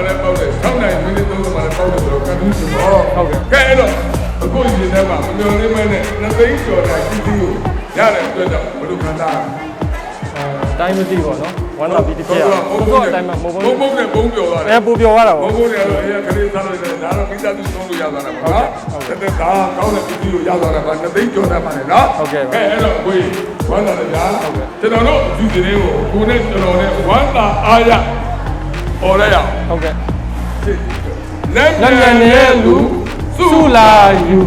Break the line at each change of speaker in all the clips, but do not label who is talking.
လည်းပေါက်တယ်6နိုင်မိနစ်30မှာလည်းပေါက်တယ်ဆိုတော့ကန်တူးရှင်တော့ဟုတ်ကဲ့အဲ့တော့အခုဒီထဲမှာမမျော်လင့်မဲနဲ့2သိန်းကျော်တိုင်းပြည်သူရတဲ့အတွက်ကြောင့်ဘယ်လိုခံစား
တိုင်းမသိပေါ့နော်ဝမ်းသာပြီးတစ်ပြက်တော့အတိုင်းမှာမဟုတ်ဘူး
ဘုံနဲ့ဘုံပြောသွားတယ်
ပူပြောရတာပေါ့
ဘုံနဲ့တော့အဲ့ခလေးစားလို့ရတယ်ဒါတော့မိသားစုသုံးလို့ရသွားတာပေါ့နော်တက်ဒါကောင်းတဲ့ပြည်သူကိုရသွားတာပါ2သိန်းကျော်တယ်ပါလေနော်
ဟုတ်ကဲ့
အဲ့တော့ကိုဝမ်းသာတယ်ဗျာကျွန်တော်တို့ဒီသတင်းကိုကိုနဲ့ကျွန်တော်နဲ့ဝမ်းသာအားရဟောရရအောင်
ဟုတ်ကဲ့
လက်မြန်တဲ့လူ
စုလာယူ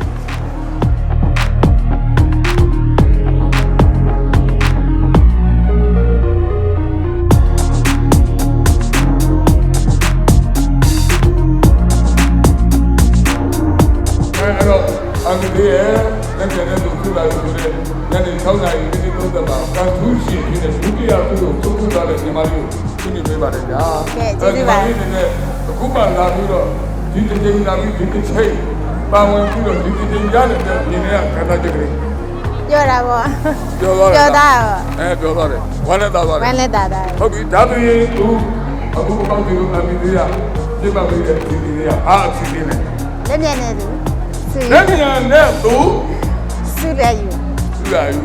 အမေရဲ့လက်ကျန်တဲ့လူစုလာယူတဲ့ညနေ6နာရီမိနစ်30မှာကန်ထူးရှင်ဖြစ်တဲ့ဒုတိယသူ့ကိုသုံးထားတဲ့ညီမလေးကိုရှင်းပြပေးပါတယ်ဗျာ
ကဲကျေးဇူးပါ
အခုမှလာပြီးတော့ဒီတစ်ချိန်လာပြီးဒီတစ်ချိန်ပါဝင်ပြီးတော့ဒီတစ်ချိန်ရတဲ့ဒီနေ့ကခန္ဓာချက်ကလေး
ပြောတာပေါ့
ပြောသွားတယ်
ပြောတာ
ပြောသွားတယ်ဝမ်းနဲ့သားသွားတယ်
ဝမ်းနဲ့သားတာ
ဟုတ်ပြီဒါဆိုရင်သူအခုပေါင်းပြီးတော့အမေသေးရပြတ်ပါပြီတဲ့ဒီနေ့ကအားအစီအစဉ်နဲ့
လက်မြန်နေသူ
လက်မြန်နဲ့သူ
စုရယူ
စုရယူ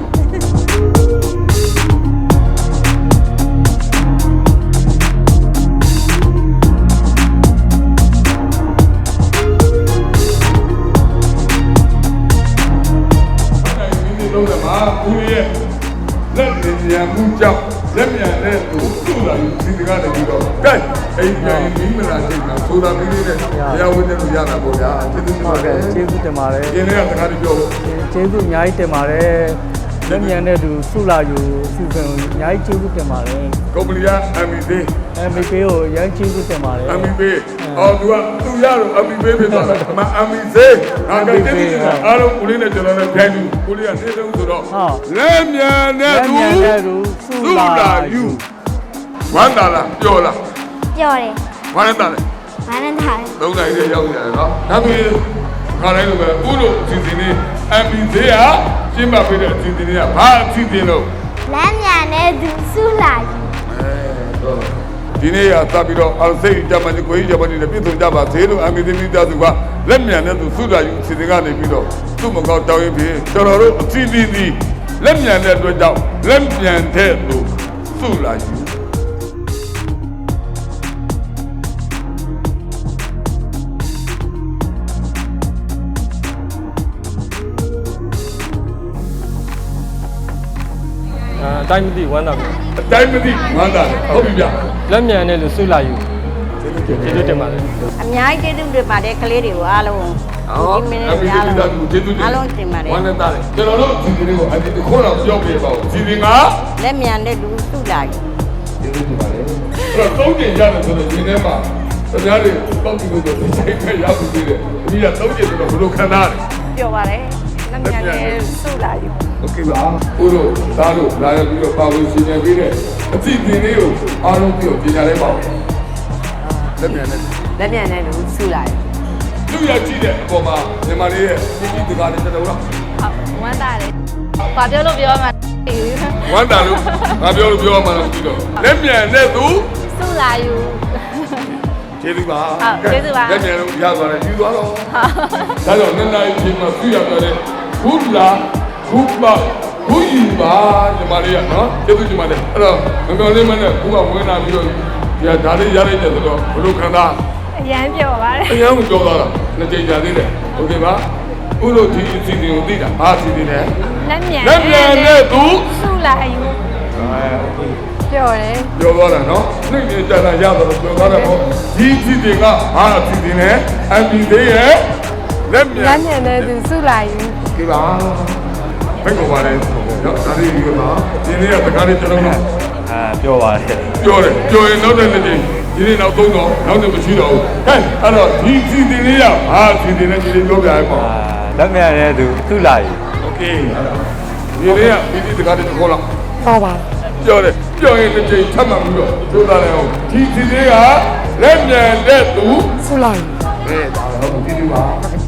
လုံးကမှာဦးရဲ့လက်မြန်မှုကြောင့်လက်မြန်တဲ့သူစုလာယူဒီတကားတည်းတော့ကဲအိမ်ပြန်ပြီးမလားချိန်မှာဆိုတာမီးလေးနဲ့တရားဝင်တယ်လို့ရတာပေါ့ဗျာကျေးဇူးတင်ပါတယ်
ကျေးဇူးတင်ပါတယ်
ဒီနေ့ကတကားတည်းပြော
ကျေးဇူးအများကြီးတင်ပါတယ်လက်မြန်တဲ့သူစုလာယူစီစဉ်အများကြီးကျေးဇူးတင်ပါတယ်
ကုမ္ပဏီက MEP
ကိုအများကြီးကျေးဇူးတင်ပါတယ်
MEP အော်သူကသူရတော့ MEP ဖြစ်သွားတယ်အမ MEC ငါကကျေးဇူးတင်အားလုံးဦးလေးနဲ့ကျွန်တော်နဲ့ပြန်ပြီးဦးလေးကနေဆုံးဆိုတော့လက်မြန်တဲ့သူ
စုလာယူ
ဝမ်းသာလားပြောလား
ပြောတယ်
ဝမ်းသာတယ်
ဝမ်းနဲ့သား
သုံးနိုင်တဲ့ရောက်နေတယ်နော်ဒါပြီးခါတိုင်းလိုပဲဦးတို့အစီအစဉ်လေး MEC ကရှင်းပြပေးတဲ့အစီအစဉ်လေးကဘာအစီအစဉ်လို့
လက်မြန်တဲ့သူစုလာယူ
ဒီနေ့ရသပြီးတော့အောင်စိတ်ကြမ်းမှကိုကြီးကြမ်းမှနဲ့ပြည့်စုံကြပါသေးလို့အမေသမီးသားစုကလက်မြန်တဲ့သူစုလာယူစီစဉ်ကနေပြီးတော့သူ့မကောက်တောင်းရင်ပြီးကျွန်တော်တို့အစီအစဉ်ဒီလက်မြန်တဲ့အတွက်ကြောင့်လက်မြန်တဲ့သူစုလာယူ
အတိုင်းမသိဝမ်းသာပြီ
အတိုင်းမသိဝမ်းသာတယ်ဟုတ်ပြီဗျ
လက်မြန်တဲ့လူစုလာယူကျေးဇူးတင်ပါတယ်
အများကြီးကျေးဇူးတင်ပါတယ်ကလေးတွေကိုအားလုံး
ဒီမင်းတွေအားလုံးကျေးဇူးတင်
အားလုံးတင်ပါတယ်
ဝမ်းသာတယ်ကျွန်တော်တို့ဒီနေ့ကိုအဒီတစ်ခေါက်တော့ပြောပြပါဦးဒီနေ့က
လက်မြန်တဲ့လူစုလာယူ
ကျေးဇူးတင်ပါတယ်အဲ့တော့သုံးကျင်ရတယ်ဆိုတော့ဒီနေ့မှာတရားတွေတောက်ပြီးလို့ဒီချိန်မှာရောက်ပြီးတယ်ဒီကသုံးကျင်ဆိုတော့ဘယ်လိုခံစားရလဲ
ပြောပါတယ်လက်မြန်တဲ့စုလာယူ
โอเคပါဦးတို့သားတို့လာရပြီးတော့ပါဝင်ရှင်နေပြီးတဲ့အသည့်တင်လေးကိုအားလုံးပြီးတော့ပြင်ညာလိုက်ပါဦးလက်မြန်
တဲ့လူစုလာယူ
သူရကြည့်တဲ့အပေါ်မှာမြန်မာလေးရဲ့ပြည်ပြည်တကားလေးတော်တော်လား
ဝမ်းသာတယ်ဘာပြောလို့ပြောမှ
ဝမ်းသာလို့ငါပြောလို့ပြောမှလည်းပြီးတော့လက်မြန်တဲ့သူ
စုလာယူ
ကျေးဇူးပါ
ကျေးဇူးပါ
လက်မြန်လို့ရသွားတယ်ယူသွားတော့ဒါကြောင့်နှစ်နာရီချိန်မှာပြရပြတယ်ဘုလားဘုပါဘုယူပါညီမလေးကနော်ကျေးဇူးညီမလေးအဲ့တော့မပြောလေးမနဲ့ဘုကဝင်လာပြီးတော့ဒီဒါလေးရလိုက်တယ်ဆိုတော့ဘလို့ခံစား
အရန်ပြောပါတယ်
အရန်ကိုပြောသွားတာနှစ်ကြိမ်ကြာသေးတယ်โอเคပါဥလို့ဒီအစီအစဉ်ကိုသိတာဘာအစီအစဉ်လဲ
လက်မြန်
တဲ့သူ
စုလာယူပြောတယ်
ပြောသွားတာနော်နှိမ့်နေကြတာရတော့ပြောသွားတယ်ပေါ့ဒီအစီအစဉ်ကဘာအစီအစဉ်လဲအန်ဒီလေးရဲ့လက်မြန်
တဲ့သူစုလာယူ
โอเคပါဘယ်ကိုပါလဲနော်ဒါလေးဒီမှာဒီနေ့ကတကားလေးကျွန်တော်
ပြောပါတယ်
ပြောရင်နောက်တဲ့နေ့ဒီနေ့နောက်3တော့နောက်နေ့မရှိတော့ဘူးဟဲ့အဲ့တော့ဒီစီတင်လေးရဟာစီတင်နဲ့ဒီလေးပြောပြရပေါ့
လက်မြန်တဲ့သူစုလာယူ
โอเคဒီနေ့ကဒီတကားလေးခေါ်လာ
ဟုတ်ပါ
ပြောရင်တစ်ချိန်ထပ်မှပြီးတော့ကြိုးစားလိုက်အောင်ဒီစီလေးကလက်မြန်တဲ့သူ
စုလာယူ
ဒါတော့ဒီဒီပါ